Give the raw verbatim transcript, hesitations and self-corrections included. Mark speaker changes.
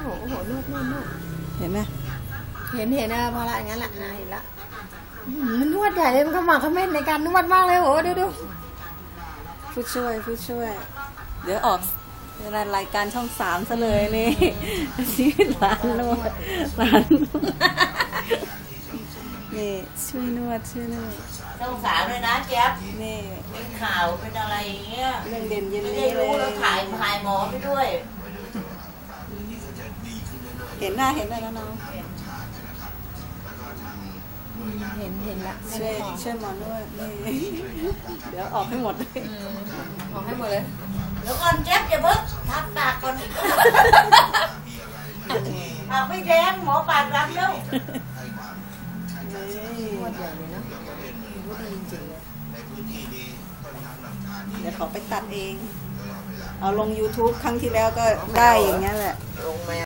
Speaker 1: โอ้โหนวดนวดนวด
Speaker 2: เห็นไหม
Speaker 1: เห็นเห็นนะพอละอย่างนั้นแหละเห็นละมันนวดใหญ่เลยมันขมักเขม้นในการนวดมากเลยโอ้ดูดู
Speaker 2: ผู้ช่วยผู้ช่วย เดี๋ยวออกรายการช่องสามซะเลยนี่ชีวิตร้านนวดร้านนวดนี่ช่วยนวดช่วยนวด
Speaker 3: ต้องสาวเลยนะแจ๊บ
Speaker 2: นี่
Speaker 3: เป็นข่าวเป็นอะไรอย่างเงี้ย
Speaker 2: เรื่องเด่นเย็น
Speaker 3: ไม่ได้
Speaker 2: นี้เล
Speaker 3: รู้แล้ว
Speaker 2: ย
Speaker 3: ถ่ายถ่ายหมอไปด้วย
Speaker 2: เห็นหน้าเห็นหน้าแล้วน้อง
Speaker 1: เห็นเห็นละ
Speaker 2: ช่วยช่วยหมอนวดนี่เดี๋ยวออกให้หมดเลย
Speaker 1: ออกให้หมดเลย
Speaker 3: เดี๋ยวก่อนแจ๊บอย่าเพิ่งทับปากก่อนปากไม่แดงหมอปากรับแล้ว
Speaker 2: นี่
Speaker 1: นวดใหญ่เลยเนาะนวดดีจริงๆเลย
Speaker 2: เดี๋ยวเขาไปตัดเอง เอาลง YouTube ครั้งที่แล้วก็ได้อย่างเงี้ยแหละ
Speaker 3: ลงมา